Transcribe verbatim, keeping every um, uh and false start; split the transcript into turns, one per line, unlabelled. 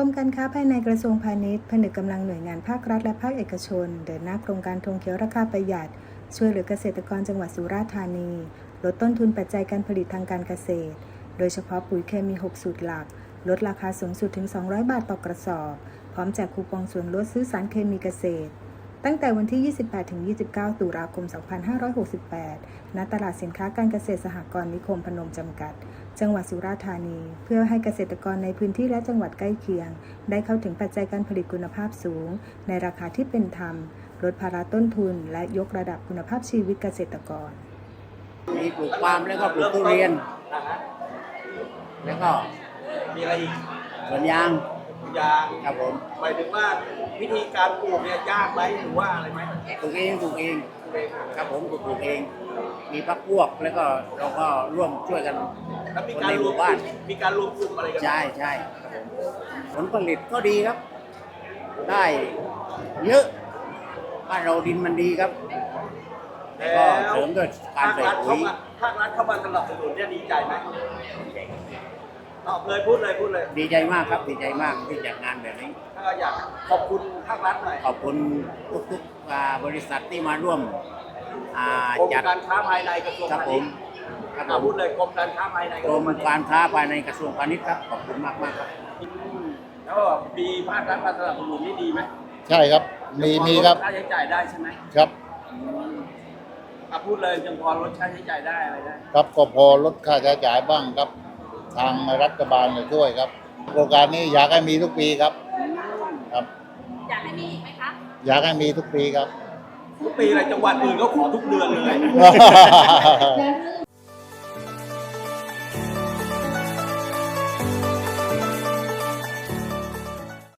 รมการค้าภายในกระทรวงพาณิชย์ผนึกกำลังหน่วยงานภาครัฐและภาคเอกชนเดินหน้าโครงการธงเขียวราคาประหยัดช่วยเหลือเกษตรกรจังหวัดสุราษฎร์ธานีลดต้นทุนปัจจัยการผลิตทางการเกษตรโดยเฉพาะปุ๋ยเคมีหกสูตรหลักลดราคาสูงสุดถึงสองร้อยบาทต่อกระสอบพร้อมแจกคูปองส่วนลดซื้อสารเคมีเกษตรตั้งแต่วันที่ ยี่สิบแปดถึงยี่สิบเก้า ตุลาคม สองพันห้าร้อยหกสิบแปด ณ ตลาดสินค้าการเกษตรสหกรณ์นิคมพนมจำกัด จังหวัดสุราษฎร์ธานี เพื่อให้เกษตรกรในพื้นที่และจังหวัดใกล้เคียง ได้เข้าถึงปัจจัยการผลิตคุณภาพสูง ในราคาที่เป็นธรรม ลดภาระต้นทุน และยกระดับคุณภาพชีวิตเกษตรกร
มีปลูกปาล์มแล้วก็ปลูกทุเรียน แล้วก็
มีอะไรอีก
สวนยาง
ยาง
ครับผม
หมายถึงว่าวิธีการปลูกเนี่ยยากไหมหรือว่าอะไรไหม
ปลูกเองปลูกเองครับผมปลูกเอง มีพักพวกแล้วก็เราก็ร่วมช่วยกัน
แล้วมี
คน
การ
ใน
ร
ห
วม
มู่บ้าน
มีการรวมกลุ่มอะไรกันไหม
ใช่ใช่ครับผมผลผลิตก็ดีครับ ได้เยอะบ้านเราดินมันดีครับ
แล้
ก็
ว
เสริมด้วยการ
ภาค
ใส่
รัฐ
ปุ๋
เข้าย มาภาครัฐเข้ามาสนับสนุนเนี่ยดีใจไหมตอบเลยพูดเลยพูดเลย
ดีใจมากครับดีใจมากที่จัดงานแบบนี้
ถ้าอยากขอบคุณภาครัฐหน่อย
ขอบคุณทุกๆอ่าบริษัทที่มาร่วมอ่าก
รม
จัด
การค้าภายในกระทรวง
ครับ
พา
ผ
ณิ
ม
ชย์
ครับผ
อ่าม พูดเลยกรมการค้าภายใน
กรมการค้าภายในกระทรวงพาณิชย์ครับขอบคุณมากมากๆครับ
อืมแล้วมีภาครัฐมาสนับสนุนนี่ดีไหม
ใช่ครับ มีมีครับ
ค่าใช้จ่ายได้ใช่ไหม
ครับ
อืมอ่ะพูดเลยยังพอลดค่าใช้จ่ายได้อะไรได้
ครับก็พอลดค่าใช้จ่ายบ้างครับ ทางรัฐบาลจะช่วยครับ โครงการนี้อยากให้มีทุกปีครับ ครับ
อยากให้มีอีกไหมคะ
อยากให้มีทุกปีครับ
ทุกปีอะไรจังหวัดอื่นก็ขอทุกเดือนเลย
แล้วเรื่อง